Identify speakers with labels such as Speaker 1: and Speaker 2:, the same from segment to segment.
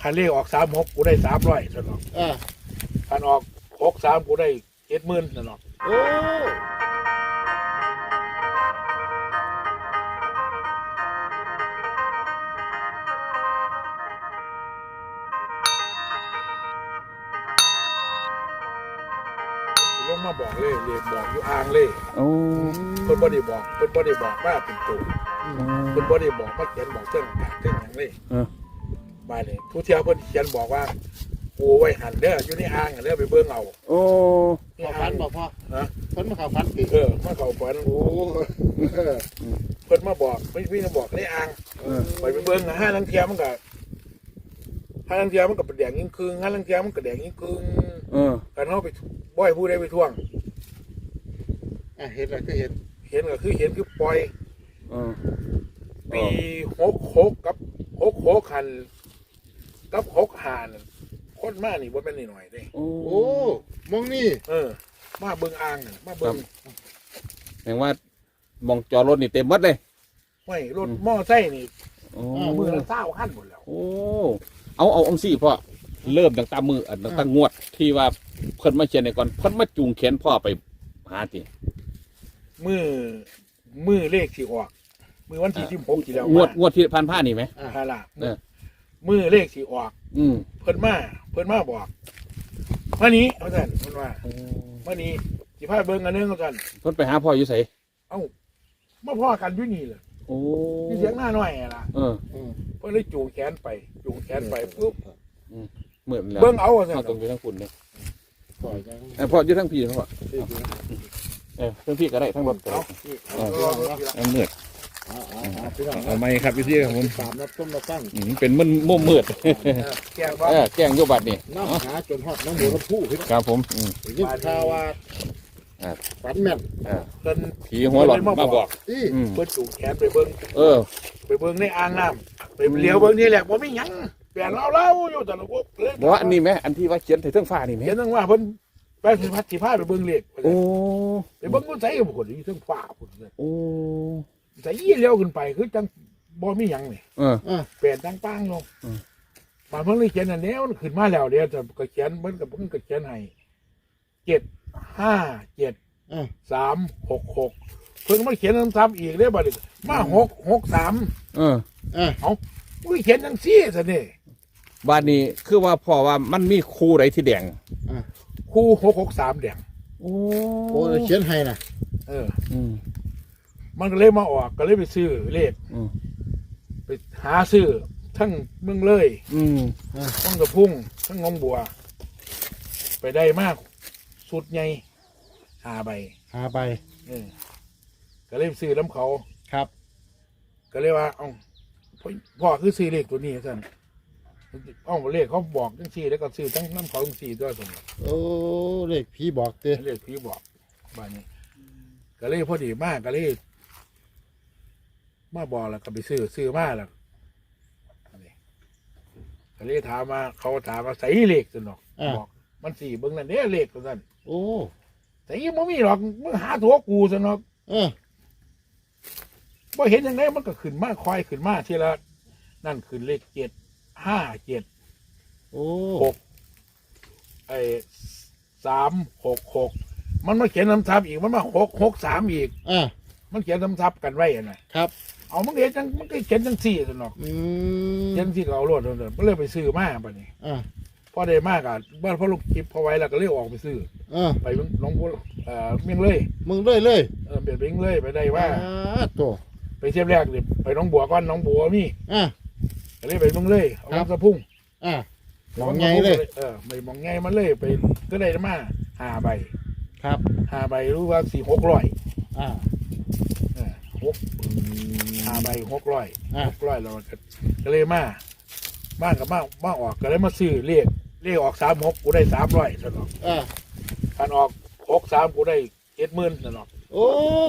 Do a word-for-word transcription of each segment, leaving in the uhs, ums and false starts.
Speaker 1: คันเลขออกสามหกกูได้สามร้อยสนอก
Speaker 2: อ่า
Speaker 1: คันออกหกสามกูได้เจ็ดหมื่นสนอก
Speaker 2: โอ้
Speaker 1: ลงมาบอกเลยเรียกบอกอยู่อ่างเลย
Speaker 3: โอ้
Speaker 1: เพิ่นบ่ได้บอกเพิ่นบ่ได้บอกว่าเป็นตัวเพิ่นบ่ได้บอกมาเขียนบอกเส้นกากเส้นหยังเลย
Speaker 3: เออ
Speaker 1: มาเลยทุกเที่ยวเพิ่นเขียนบอกว่ากูไว้หันเด้ออยู่ในอ่างเด้อไปเบิ่งเอา
Speaker 3: โอ้
Speaker 2: ขอฟันบอกพ่อ
Speaker 1: นะ
Speaker 2: เพิ่นมาขอฟันติ
Speaker 1: เออมาเข้าฝันโอ้เพิ่นมาบอกไม่พี่มาบอกในอ่าง
Speaker 3: เออ
Speaker 1: ไปไปเบิ่งห้าลังเทียมันก็ห้าลังเทียมันก็เป็นแดงยิ่งครึ่งห้าลังเทียมันก็แดงยิ่งครึ่ง
Speaker 3: เออ
Speaker 1: กันเฮาไปบ่อยผู้ใดไปท่วง
Speaker 2: อ่ะเห็นแล้วก็เห็น
Speaker 1: เห็นก็คือเห็นคือปล่อย
Speaker 3: เออ
Speaker 1: ปีหกหกกับหกหกคันกับหกหานั่นคนมานี่บ่แม่นน้อยๆเด้
Speaker 3: โอ้
Speaker 2: โอ้มองนี่
Speaker 1: เออ มาเบิ่งอ่างน่ะมาเบิ่ง
Speaker 3: แปลว่ามองจอรถนี่เต็มหมดเลย
Speaker 1: ไม่รถมอไซค์นี่
Speaker 3: โอ้
Speaker 1: มือละเศร้าคันหมดแล้ว
Speaker 3: โอ้เอาเอาองสี่พ่อเริ่มตั้งแต่มืออันตั้งแต่งวดที่ว่าเพิ่นมาเขียนในก่อนเพิ่นมาจูงแขนพ่อไปหาติ
Speaker 1: มือมือเลขสิออกมือวันที่สิบหกที่แล้ว
Speaker 3: งวด
Speaker 1: มาง
Speaker 3: วดที่ผ่านผ้านี่ไหม
Speaker 2: อ่ะ
Speaker 1: ฮาล่ะ
Speaker 3: เออ
Speaker 1: มือเลขสิออก
Speaker 3: อืม
Speaker 1: เพิ่นมาเพิ่นมาบอกมานี้เอาซั่นเพิ่นว่ามานี้สิพาเบิ่งอันนึงเอาซั่น
Speaker 3: เพิ่นไปหาพ่ออยู่ไส
Speaker 1: เอ้ามาพ่อกันอยู่นี่แหละ
Speaker 3: โอ้
Speaker 1: มีเสียงหน้าน้อยอะล่ะ
Speaker 3: เออ
Speaker 2: อืม
Speaker 1: เพิ่นเลยจูงแขนไปจูงแขนไปปุ๊บ
Speaker 3: เหมือนแล้ว
Speaker 1: เบิ่งเอาว่าซั่น
Speaker 3: เอาตรงอยู่ทั้งคุณเนี่ย
Speaker 2: ปล่อยจัง
Speaker 3: เออพ่ออยู่ทั้งพี่พ่อ
Speaker 2: ที่ดู
Speaker 3: เออทั้งพี่ก็ได้ทั้งรถก็
Speaker 1: เอา
Speaker 3: ได้
Speaker 1: เอาเอาเอา
Speaker 3: เอาเมือด
Speaker 2: อ่าอ่าอ่าพี่น้อง
Speaker 3: เอาไหมครับพี่พี่ครับผม
Speaker 2: ตามรับต้มรับตั้ง
Speaker 3: อืมเป็นมันมุมมืด
Speaker 1: แกงว่า
Speaker 3: เออแกล้งโยบัดนี่
Speaker 2: น้ำหาจนฮอดน้ำหมูน้ำผู้พี่น้อง
Speaker 3: ครับผมอืม
Speaker 2: ยิ่งข่าวว่า
Speaker 3: อ่า
Speaker 2: ฝันแม่น
Speaker 3: อ่า
Speaker 1: เพิ่น
Speaker 3: ผีหัวหลอดมาบอก
Speaker 2: อี
Speaker 3: อืม
Speaker 1: เพิ่นจูงแขนไปเบิ่ง
Speaker 3: เออ
Speaker 1: ไปเบิ่งในอ่างน้ำไปเลี้ยวเบิ่งนี่แหละบ่มีหยังแปลนเล่าๆอยู่แต่ละพวกเลย
Speaker 3: บอกว่าอันนี้ไหมอันที่ว่าเขียนใส่เครื่องฟ้านี่ไหม
Speaker 1: เห็นจังว่าเพิ่นไปสิพัดสิพาไปเบิ่งเลข
Speaker 3: โอ้
Speaker 1: ไปเบิ่งคนใส่บ่คนอยู่เทิงฟ้าพุ่นเลย
Speaker 3: โอ้
Speaker 1: ใส่ยี่เลี้ยวขึ้นไปคือจังบ่มีหยังนี่
Speaker 3: เออ
Speaker 2: อ่ะ
Speaker 1: แปลนจังปังลง
Speaker 3: อืม
Speaker 1: บางเพิ่นเลยเขียนอันแนวขึ้นมาแล้วเดี๋ยวจะก็เขียนเพิ่นก็เพิ่นก็เขียนให้เจ็ดห้าเจ็ด
Speaker 2: อ่ะ
Speaker 1: สามหกหกเพิ่งมาเขียนซ้ำๆอีกเด้อบัดนี้มาหกหกสาม
Speaker 3: เออ
Speaker 2: อ่ะ
Speaker 1: อุ้ยเขียนจังซี่ซะนี่
Speaker 3: บ้านนี้คือว่าพ่อว่ามันมีคู่ไรที่แดง
Speaker 1: คู่หกหกสามแดง
Speaker 3: โอ้
Speaker 2: โอ้เขียนให้นะ
Speaker 1: เออ
Speaker 3: อืม
Speaker 1: มันก็เลยมาออกก็เลยไปซื้อเลข
Speaker 3: อืม
Speaker 1: ไปหาซื้อทั้งเมืองเลย
Speaker 3: อืม
Speaker 1: ทั้งกระพุ่งทั้งงงบัว ไปได้มากสุดใหญ่หาใบ
Speaker 2: หาไป
Speaker 1: เออก็เลยไปซื้อน้ำเขา
Speaker 2: ครับ
Speaker 1: ก็เลยว่าเอ้าพ่อพ่อคือซื้อเลขตัวนี้สั่นเอ้าเลขเขาบอกจังซี่แล้วก็ซื้อทั้งน้ำเขาจังซี่ด้วยส่ง
Speaker 2: โอ้เลขพี่บอกเต้
Speaker 1: เลขพี่บอกบ้านนี้ ก็เลยพอดีมากก็เลยมาบอกแล้วก็ไปซื้อซื้อมาแล้วอันนี้ก็เลยถามมาเขาถามมาใส่เลขสินหรอกบอก มันสี่เบิ้งนั่นเนี่ยเลขตัวนั้น
Speaker 2: โอ้
Speaker 1: แต่ยังไม่มีหรอกมึงหาตัวกูสินหรอก
Speaker 2: เออ
Speaker 1: พอเห็นอย่างไรมันก็ขึ้นมาคอยขึ้นมาทีละนั่นขึ้นเลขเจ็ดห้าเจ็ด
Speaker 2: โอ้
Speaker 1: หกไอ้สามหกหกมันมาเขียนน้ำทับอีกมันมาหกหกสามอีก
Speaker 2: อ่ะ
Speaker 1: มันเขียนน้ำทับกันไว้อะนะครับ เอามันเขียนจังมันก็เขียนจังสี่สินหรอก
Speaker 2: อืม
Speaker 1: เขียนที่เขาโลดเลยมันเลยไปซื้อมาปะนี่
Speaker 2: อ่ะ
Speaker 1: พอได้มากอ่ะบ้านพ่อลูกคลิปพอไว้แล้วก็เลยออกไปซื้อ
Speaker 2: อ่ะ
Speaker 1: ไปหน้องบัวเอ่อเมียงเลย
Speaker 2: มึงเลยเลย
Speaker 1: เออเปลี่ยนไปเมียงเลยไปได้ว่า
Speaker 2: อ่ะตัว
Speaker 1: ไปเที่ยวแรกเลยไปหน้องบัวก่อนหน้องบัวมี
Speaker 2: อ่ะ
Speaker 1: ก็เลยไปเมืองเลยเอา
Speaker 2: ครับ
Speaker 1: น้ำสะพุ่ง
Speaker 2: อ่ะมองไงเลย
Speaker 1: เออไปมองไงมันเลยไปก็ได้มาหาใบ
Speaker 2: ครับ
Speaker 1: หาใบรู้ว่าสี่หกร้อย
Speaker 2: อ่ะ
Speaker 1: เออหกหาใบหกร้อย
Speaker 2: อ่ะ
Speaker 1: หกร้อยเราก็ก็เลยมาบ้านกับมามาออกก็เลยมาซื้อเลขเลขออกสามหกกูได้สามร้อยสนอก
Speaker 2: อ่ะ
Speaker 1: การออกหกสามกูได้เจ็ดหมื่นสนอก
Speaker 2: โอ้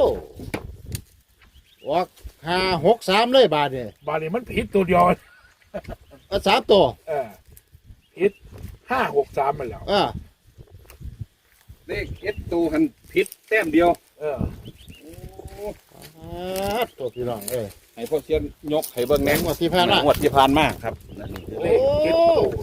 Speaker 2: ออกห้าหกสามเลยบาทเนี่ย
Speaker 1: บาทนี้มันผิดตัวเดียว
Speaker 2: อ่ะสามตัว
Speaker 1: เออผิดห้าหกสามมันแล้ว
Speaker 2: อ่ะ
Speaker 3: เลขเอ็ดตูหันผิดแต้มเดียว
Speaker 1: เออ
Speaker 2: อ่ะตัวพี่น้องเอ้ย
Speaker 3: ให้พ่อเชียนยกให้เบิ่ง
Speaker 2: แห
Speaker 3: แหน่
Speaker 2: งวดที่ผ่านมา
Speaker 3: งวดที่ผ่านมาครับนั่นนี่คือ
Speaker 1: เล
Speaker 3: เล
Speaker 1: ข
Speaker 3: ข
Speaker 1: เจ็ดตัว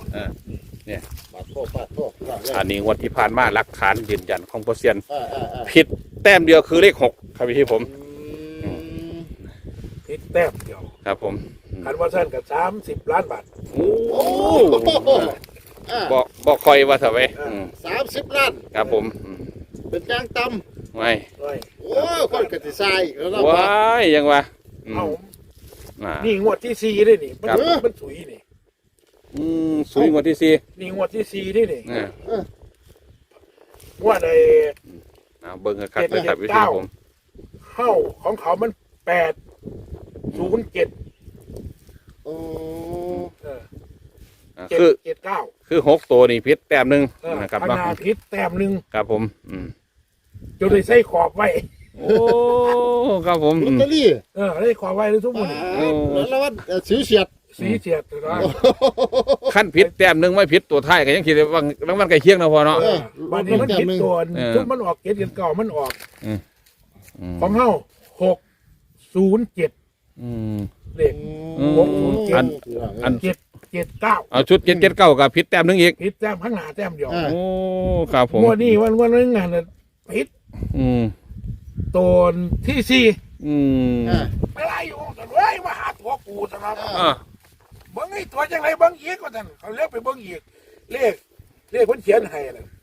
Speaker 3: อันนี้งวดที่ผ่านมาหลักฐานยืนยันของโปรเซียน
Speaker 2: เออเออเออ
Speaker 3: ผิดแต้มเดียวคือเลขหกครับพี่ผม
Speaker 2: อืม
Speaker 1: พิษแต้มเดียว
Speaker 3: ครับผม
Speaker 1: คันว่าสั้นกับสามสิบล้านบาท
Speaker 3: โอ้
Speaker 2: โอ้โหอ่า
Speaker 3: บอกบอกคอยว่าเถอะไว้อืม
Speaker 2: สามสิบล้าน
Speaker 3: ครับผมอืม
Speaker 2: เป็นยางต
Speaker 3: ไม่
Speaker 1: ด้วย
Speaker 2: ำโอ้ยคนกติทรายแล้วเรา
Speaker 3: ว้ายยังวะอืม
Speaker 1: เอา
Speaker 3: อ่า
Speaker 1: นี่งวดที่สี่ด้วยนี่มัน
Speaker 3: ครับ
Speaker 1: มันสุยนี่
Speaker 3: อืมสุยงวดที่สี่
Speaker 1: นี่งวดที่สี่ด้วยนี่
Speaker 3: อ่าง
Speaker 1: วดไอ้
Speaker 3: เอาเบิ้งกันครับเลยครับพี่ผม
Speaker 1: เข้าของเขามันแปดศูนย์เจ็ด
Speaker 2: โอ้
Speaker 1: เออ
Speaker 3: อ่า
Speaker 1: เจ็ด
Speaker 3: คือ
Speaker 1: เจ็ดเก้า
Speaker 3: คือหกตัวนี่พิษแต้มหนึ่ง
Speaker 1: เออ
Speaker 3: นะครับ
Speaker 1: พ
Speaker 3: เนาะ
Speaker 1: นาพิษแต้มหนึ่ง
Speaker 3: ครับผมอืม
Speaker 1: จนเลยใส่ขอบไว้
Speaker 3: โอ้ครับผม
Speaker 2: ลอ
Speaker 3: อื
Speaker 2: ต
Speaker 3: ม
Speaker 2: เตอรี่
Speaker 1: เออได้ขอบไว้เลยทุกคน
Speaker 3: โอ้
Speaker 2: แล้วว่าสิวเฉียด
Speaker 1: สีเฉียดนะ
Speaker 3: ขั้นพิษแต้มหนึ่งไม่พิษตัวท้ายก็ยังคิดว่าบางวันใกล้เคียงนะพอเนาะ
Speaker 1: เออวันนี้มันผิดตัว
Speaker 3: เออ
Speaker 1: ทุกมันออกเจ็ดเจ็ดเก้ามันออก
Speaker 3: อืม
Speaker 1: ของเฮาหกศูนย์เจ็ด
Speaker 3: อืม
Speaker 1: เลข
Speaker 3: อืม
Speaker 1: หกศูนย์เจ็ด
Speaker 3: อันอัน
Speaker 1: เจ็ดเจ็ดเก้า
Speaker 3: เอาชุดเจ็ดเจ็ดเก้ากับพิษแต้มหนึ่งอีก
Speaker 1: ผิดแต้มข้างหน้าแต้มเดียว
Speaker 2: อ่า
Speaker 3: โอ้ครับผม
Speaker 1: งวดนี้วันวันนึงงานน่ะผิด
Speaker 3: อืม
Speaker 1: ตัวที่สี่
Speaker 3: อืม
Speaker 2: อ่า
Speaker 1: ไม่ไรอยู่แต่เฮ้ยมาหาตัวกูสนะ
Speaker 3: อ่า
Speaker 1: เบิ้งไอ้ตัวจังไรเบิ้งอีกก็ท่านเขาเรียกไปเบิ้งอีกเลขเลขคนเขียนให้น่ะ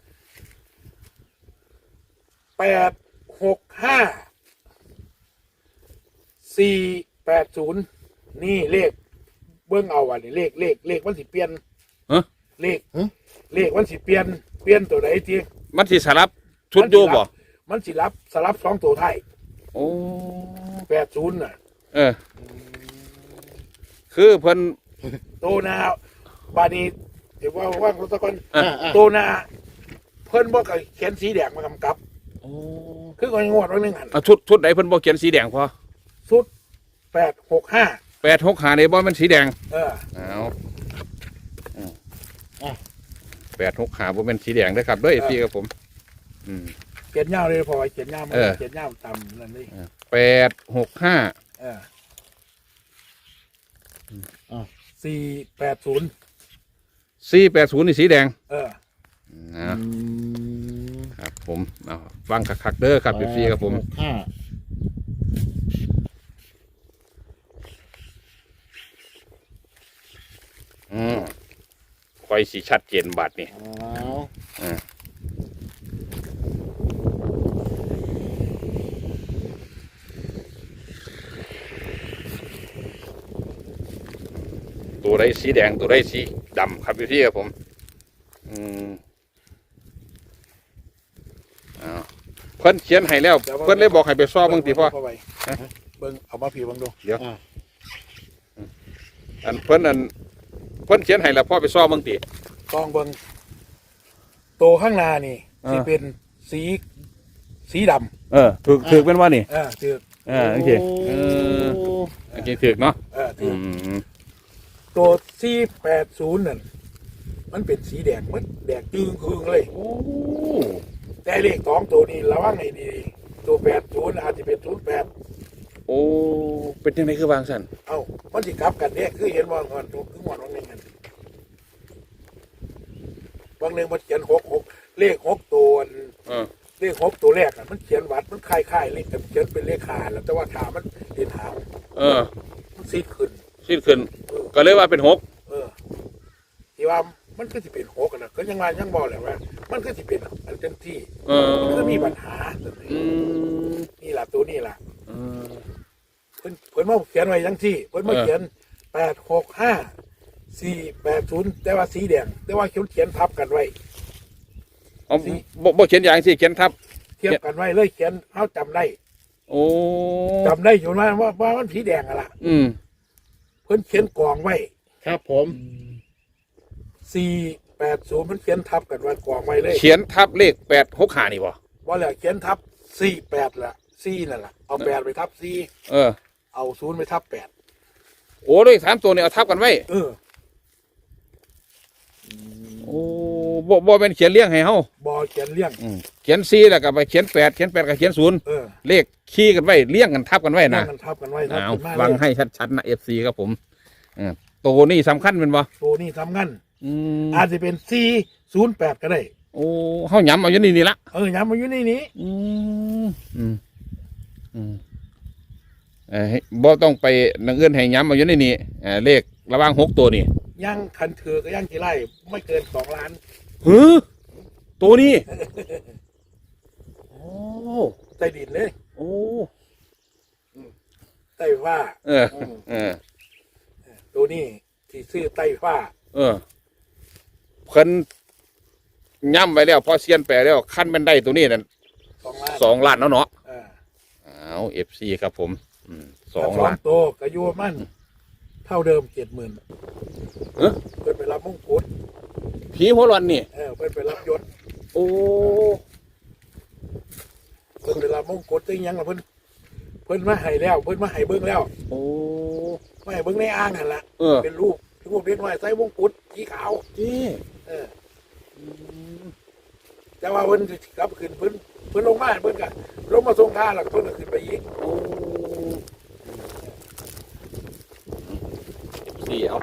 Speaker 1: แปดหกห้าสี่แปดศูนย์นี่เลขเบิ้งเอาอ่ะนี่เลขเลขเลขมันสิเปลี่ยน
Speaker 3: ฮะ
Speaker 1: เลขเลขมันสิเปลี่ยนเปลี่ยนตัวไหนที
Speaker 3: มันสิสลับชุดโยบ่
Speaker 1: มันสิรับสลับสองตัวไทย
Speaker 3: โอ้
Speaker 1: แปดศูนย์น่ะ
Speaker 3: เออ คือเพิ่น
Speaker 1: โตนาบานี้เดี๋ยวว่าว่างรถตะกอน
Speaker 3: อ่ะ
Speaker 2: อ่าอ่า
Speaker 1: โตนาเพิ่นบอกเขียนสีแดงมากำกับ
Speaker 3: โอ้
Speaker 1: คือคนงวดวันหนึงหัน
Speaker 3: เอาชุดชุดไหนเพิ่นบ่เขียนสีแดงพอ
Speaker 1: สุดแปดหกห้า
Speaker 3: แปดหกหาในบ่มันสีแดง
Speaker 1: เออ
Speaker 3: เอาแปดหกหาบ่เป็นสีแดงเด้อครับเด้อพี่ครับผม อืม
Speaker 1: เขียนยาวเลยพอเขียนยาวมา
Speaker 3: เออ
Speaker 1: เขียนยาวต่ำนั่นนี่
Speaker 3: แปดหกห้า
Speaker 1: เออสี่แปดศูนย์
Speaker 3: สี่แปดศูนย์นี่สีแดง
Speaker 1: เออ
Speaker 3: นะ
Speaker 2: อืม
Speaker 3: ครับผมเอาฟังคักๆเด้อครับพี่ครับผม
Speaker 2: หกห้า
Speaker 3: อืมคอยสีชัดเจนบัดนี่
Speaker 2: เอา
Speaker 3: อ่าตัวไรสีแดงตัวไรสีดำครับพี่ครับผม อืมอ้าวเพิ่นเขียนให้แล้ว เพิ่นเลยบอกให้ไปซ่อมเบิ่งติพ่อ
Speaker 1: เข้าไปเบิ้งเอามาผีเบิ้งดู
Speaker 2: อ่า
Speaker 3: อันเพิ่นอันเพิ่นเขียนให้แล้วพ่อไปซ่อมเบิ่งติ
Speaker 1: กองเบิ้งโตข้างหน้านี่
Speaker 3: อ่า
Speaker 1: สิเป็นสีสีด
Speaker 3: เออถือถือเป็นว่านี่
Speaker 1: ำเออคือ
Speaker 3: เออโอเคเออโอเคถือเนาะ
Speaker 1: เออ
Speaker 3: อื
Speaker 1: คือ
Speaker 3: ม
Speaker 1: ตัวสี่แปดศูนย์นั่นมันเป็นสีแดงมันแดงจึงคืงเลย
Speaker 3: โอ้
Speaker 1: แต่เลขสองตัวนี้ระวังให้ดีตัวแปดศูนย์อาจจะเป็นศูนย์แปด
Speaker 3: โอ้เป็นยังไงคือวางสัน
Speaker 1: เอ้ามันสิกลับกันเนี่ยคือเห็นว่าเงินตัวคือหมดวันหนึ่งกันบางหนึ่งมันเขียนหกหกเลขหกตัว
Speaker 3: เออ
Speaker 1: เลขหกตัวแรกอ่ะมันเขียนวัดมันคล้ายคล้ายๆเลขแต่เขียนเป็นเลขขาแล้วแต่ว่าขามันเรียนหาง
Speaker 3: เออ
Speaker 1: มันซีดขึ้น
Speaker 3: สิ้นขึ้น
Speaker 1: เออ
Speaker 3: ก็เลยว่าเป็นหก
Speaker 1: เออที่ว่ามันคือสิเป็นหกอะนะก็ยังว่ายังบอกแหละว่า มันคือสิเป็นอันเต็มที่
Speaker 3: เออ
Speaker 1: มันก็มีปัญหา
Speaker 3: อืม
Speaker 1: นี่แหละตัวนี่แหละ
Speaker 3: เออ
Speaker 1: เพิ่นเพิ่นมาเขียนไว้ยังที่เพิ่นมา
Speaker 3: เออ
Speaker 1: เขียนแปดหกห้าสี่แปดศูนย์แต่ว่าสีแดงแต่ว่าเขียนเขียนทับกันไว้
Speaker 3: เอาบ่บ่เขียนอย่างสิเขียนทับ
Speaker 1: เทียบกันไว้เลยเขียนเขาจำได้
Speaker 3: โอ้
Speaker 1: จำได้อยู่ว่าว่าว่ามันสีแดงอะล่ะ
Speaker 3: อืม
Speaker 1: เพิ่นเขียนกองไว้
Speaker 2: ครับผม
Speaker 1: สี่แปดศูนย์เพิ่นเขียนทับกันไว้กองไว้เลย
Speaker 3: เขียนทับเลขแปดหกหานี่บ่
Speaker 1: ว่าแล้วเขียนทับสี่แปดละสี่นั่นแหละเอาแปดไปทับสี่
Speaker 3: เออ
Speaker 1: เอาศูนย์ไปทับแปด
Speaker 3: โอ้เลขสามตัวนี่เอาทับกันไว้
Speaker 1: เออ
Speaker 3: โอ้บ่บ่เป็นเขียนเลี้ยงให้เฮา
Speaker 1: บอเขียนเลี้ยง
Speaker 3: อืมเขียนสี่แล้วก็ไปเขียนแปดเขียนแปดกับเขียนศูนย์
Speaker 1: เออ
Speaker 3: เลขขี้กันไว้เลี้ยงกันทับกันไว้
Speaker 1: นั่
Speaker 3: นะ
Speaker 1: งกันทับกันไว้ทับ
Speaker 3: เอา
Speaker 1: กันมา
Speaker 3: ฟัง
Speaker 1: เลย
Speaker 3: ให้ชัดๆนะเอฟซีครับผมเออตัวนี้สำคัญเป็นบ่
Speaker 1: ตัวนี้ทำงั้น
Speaker 3: อืม
Speaker 1: อาจจะเป็นสี่ศูนย์แปดก็ได้
Speaker 3: โอ้เฮาย้ำเอาอยู่นี่นี่ละ
Speaker 1: เออย้ำมาอยู่ในนี้
Speaker 3: อืมอืมอืมเอ่อบ่ต้องไปนังเอื้อนให้ย้ำเอาอยู่ในนี่เอ่อเลขระหว่างหกตัวนี่
Speaker 1: ย่างคันถือก็ย่างกี่ไร่ไม่เกินสองล้าน
Speaker 3: หือตัวนี้โอ้
Speaker 1: ใต้ดินเลย
Speaker 3: โอ้
Speaker 1: ใต้ฟ้า
Speaker 3: เออเออ
Speaker 1: ตัวนี้ที่ซื้อใต้ฟ้า
Speaker 3: เออเพิ่นย้ำไว้แล้วพอเซียนแปลแล้วขั้นแม่นได้ตัวนี้นั่น
Speaker 1: สองล้าน
Speaker 3: สองล้านแล้วเนาะ
Speaker 1: เออ
Speaker 3: เอาเอฟซีครับผมอืมสอง
Speaker 1: สอ
Speaker 3: ล้าง น
Speaker 1: ตัวก็อยู่มันเท่าเดิมเจ็ดหมื่น
Speaker 3: เอ้อ
Speaker 1: เพิ่นไปรับมงกุฎ
Speaker 3: ผีหัวร้อนนี่
Speaker 1: เออเพิ่นไปรับยศ
Speaker 3: โอ้
Speaker 1: เพิ่นไปรับมงกุฎตึงยังล่ะเพิ่นเพิ่นมาให้แล้ว เพิ่นมาให้เบิ่งแล้ว
Speaker 3: โอ้
Speaker 1: มาให้เบิ่งในอ่างหั่นล่ะ
Speaker 3: เออ
Speaker 1: เป็นรูปรูปเด็กน้อยใส่มงกุฎสีขาว
Speaker 3: จี
Speaker 1: เออแต่ว่าเพิ่นสิกลับขึ้นเพิ่นเพิ่นลงมาเพิ่นก็ลงมาส่งท่าแล้วก็เพิ่นก็ขึ้นไปอีก
Speaker 3: โอ้เอฟซีเอา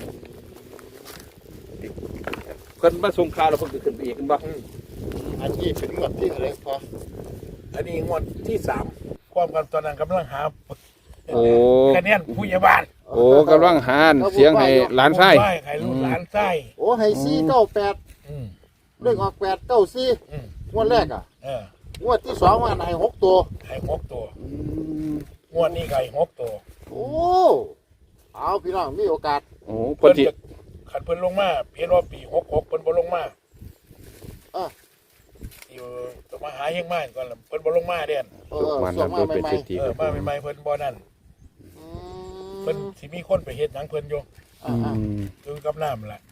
Speaker 3: เพิ่นมาส่งข่าวแล้วเพิ่นก็ขึ้นไปอีกกันบ่
Speaker 1: อืม
Speaker 2: อันนี้เป็นงวดที่อะไรพอ
Speaker 1: อันนี้งวดที่สามความกันตอนนั้นกำลังหา
Speaker 3: โอ้
Speaker 1: คะแนนผู้ใหญ่บ้าน
Speaker 3: โอ้กำลังหานเสียงให้หลานไส้
Speaker 1: ใช่ให้ลูกหลานไส้
Speaker 2: โอ้ให้สี่เก้าแปด
Speaker 1: อืม
Speaker 2: เลขออกแปดเก้าสี่
Speaker 1: อืม
Speaker 2: งวดแรกอ่ะ
Speaker 1: เออง
Speaker 2: วดที่สองมันให้หกตัว
Speaker 1: ให้หกตัวงวดนี้ก็ให้หกตัว
Speaker 2: โอ้เอาพี่น้องมีโอกาส
Speaker 3: โอ้เพิ่นสิ
Speaker 1: จะขันเพิ่นลงมาเพียนว่าปีหกหกเพิ่นบ่ลงมา
Speaker 2: อ่ะ
Speaker 1: อยู่ต้องมาหาเฮงมากก่อนล่ะเพิ่นบ่ลงมาเด่น
Speaker 2: เออ
Speaker 3: มัน
Speaker 2: ส่ง
Speaker 3: นำ
Speaker 2: มา
Speaker 3: ตัวเป็น
Speaker 2: ใหม่
Speaker 3: เศรษฐี
Speaker 1: เอ
Speaker 3: ค
Speaker 1: อ
Speaker 3: รับผ
Speaker 1: มาม ใหม่ๆเพิ่นบ่นั่น
Speaker 2: ๆอื
Speaker 1: เพิ่น
Speaker 2: ม
Speaker 1: สิมีคนไปเฮ็ดหยังเพิ่นอยู่
Speaker 2: อ่า
Speaker 3: อืม
Speaker 1: อยู่กับน้ำล่ะ